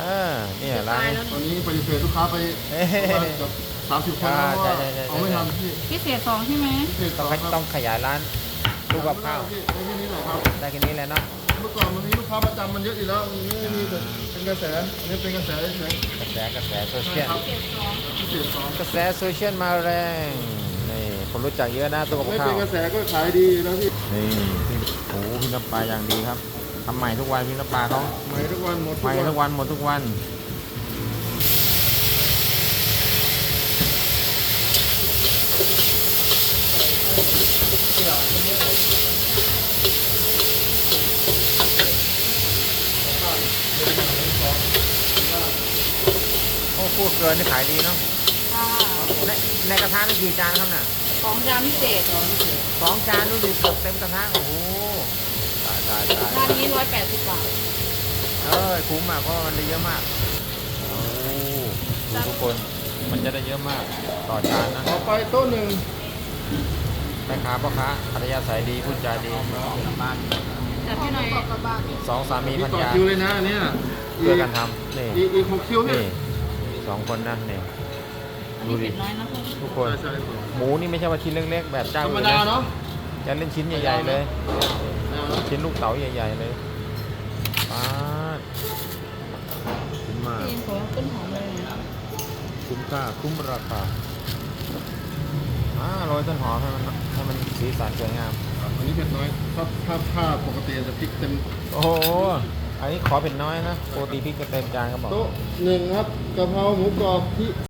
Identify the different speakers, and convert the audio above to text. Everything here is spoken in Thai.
Speaker 1: เนี่ยร้านนี้
Speaker 2: ตอนนี้ปฏิเสธลูกค้าไปประมาณเกือบ30 คนแล้วว่าเอาไม่ทันพี่
Speaker 3: พิเศษ2ใช่ไหม
Speaker 2: พิเศษ
Speaker 1: ต้อง
Speaker 2: ครับ
Speaker 1: ต้องขยายร้านตู้กับข้าว
Speaker 2: ได้แค่นี้แหละครับ
Speaker 1: ได้แค่นี้แหละเนาะ
Speaker 2: เมื่อก่อนมันมีลูกค้าประจำมันเยอะอยู่แล้วมันไม่มีแบบเป็นกระแสอันนี้เป็นกระแสเฉย
Speaker 1: กระแสโซ
Speaker 2: ๆ
Speaker 1: เชียล
Speaker 2: ครับ
Speaker 3: พิเศษ2
Speaker 2: พิเศษสอง
Speaker 1: กระแสโซเชียลมาแรงนี่คนรู้จักเยอะนะตู้กับ
Speaker 2: ไม่
Speaker 1: ข้า
Speaker 2: เป็
Speaker 1: วน
Speaker 2: กระแสก็ขายดีอยู่แล้วพี่
Speaker 1: นี่พี่โอ้โหพี่น้ำปลาอย่างดีครับทำใหม่ทุกวันพี่น้ำปลาเขา
Speaker 2: ใหม่ทุกวันหมด
Speaker 1: ใหม่ทุกวันหมดทุกวันโอ้พูดเกินนี่ขายดีเนาะ
Speaker 3: ค่ะ
Speaker 1: ในกระทะนี่กี่จานครับน่ะ
Speaker 3: 2 จานพิเศษ
Speaker 1: 2 จานดูดิเกือบเต็มกระทะโอ้โหตาย
Speaker 3: ร้านนี้180 บาท
Speaker 1: คุ้มมากเพราะมันได้เยอะมากโอ้ดูทุกคนมันจะได้เยอะมากต่อจานนะ
Speaker 2: ต่อไปโต๊ะหนึ่ง
Speaker 1: แม่ค้าพ่อค้าอัธยาศัยดีพูดจาดี
Speaker 3: แต่พี่หน่อย
Speaker 1: 2 สามี
Speaker 2: มี
Speaker 1: ภรร
Speaker 2: ต่อย
Speaker 1: า
Speaker 2: คิวเลยนะอันเนี้ย
Speaker 1: เพื่อกันทำนี่
Speaker 2: อีก6 คิวเนี่ย
Speaker 1: นี่2 คนนะนี่
Speaker 3: อัน
Speaker 1: ดู
Speaker 3: นี้
Speaker 1: ดิ
Speaker 3: เป็ดน้อยนะ
Speaker 1: ทุกคน
Speaker 2: ใช่
Speaker 1: หมูนี่ไม่ใช่ว่าชิ้นเล็กๆแบบเจ้า
Speaker 2: ธรรม
Speaker 1: อื่น
Speaker 2: ดา
Speaker 1: นะ
Speaker 2: เนาะ
Speaker 1: จะเล่นชิ้นใหญ่ๆเลยชิ้นลูกเต๋าใหญ่ๆเลยป๊าดคุ้มมาก
Speaker 3: พี่ขอต้นหอมเลยนะ
Speaker 1: คุ้มค่าคุ้มราคาโรยต้นหอมให้มันสีสันสวยงาม
Speaker 2: อันนี้เผ็ดน้อยถ้าปกติจะพริกเต็ม
Speaker 1: โอ้โหอันนี้ขอเป็นน้อยนะปกติพริกจะเต็มจานก็บอก
Speaker 2: โต๊ะหนึ่งครับกะเพราหมูกรอบที่